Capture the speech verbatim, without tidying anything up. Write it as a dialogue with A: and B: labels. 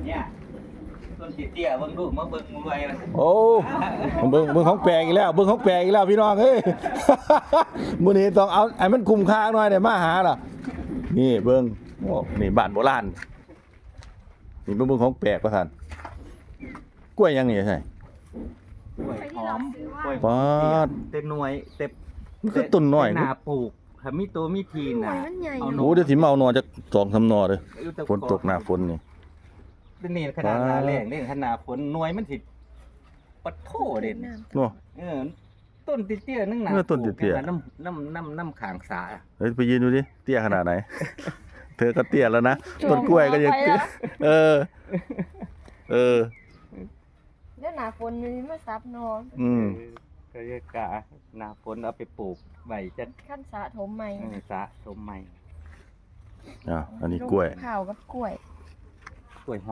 A: เนี่ยต้นเตี้ยๆเบิ่งดูมาเบิ่งรวยนะ
B: โอ้เบิ่งเบิ่งของแปลกอีกแล้วเบิ่งของแปลกอีกแล้วพี่น้องเฮ้ย มื้อนี้ต้องเอาให้มันคุ้มค่าหน่อยเดี๋ยวมาหาล่ะนี่เบิ่งโอ้นี่บ้านโบราณนี่เบิ่งเบิ่งของแปลกว่าซั่นกล้วยยังนี่ใช่
A: กล้วยหอมกล้วย
B: ปาด
A: เต็มหน่วยเต็ม
B: มันคือต้นน้อย
A: หน้าปลูกถ้ามีตัวมีที
C: หน่
A: น่ะ
C: วยมันใหญ่
A: เอา
C: เน
A: ห
B: โอ้
C: อะ
B: เดี๋ยวสิมาเอาหนอจากสองสามหนอเด้อ
A: อยู่แต่
B: ฝนตกหน้าฝนนี่
A: นี่ขนาดหน้าแรงนี่ขนาดฝนหน่วยมันสิปัดโถเด่น
B: เนาะ
A: เออต้นเตี้ยๆนึงหนา
B: เออต้นเตี้ยๆ
A: น้ำน้ำน้ำน้ำขางสา
B: เฮ้ยไปยืนดูดิเตี้ยขนาดไหน เธอก็เตี้ยแล้วนะต้นกล้วยก็ยังเตี้ยเออ เออ
C: เดี๋ยวหนาฝนมันมาซับนอน
B: อืม
A: ก็เรียกกะหน้าฝนเอาไปปลูกใบจะ
C: ขั้นสะถมใหม่
A: เออสะสมใหม่
B: อ่ะอันนี้กล้วย
C: ข้าวกับกล้วย
A: กล้วยห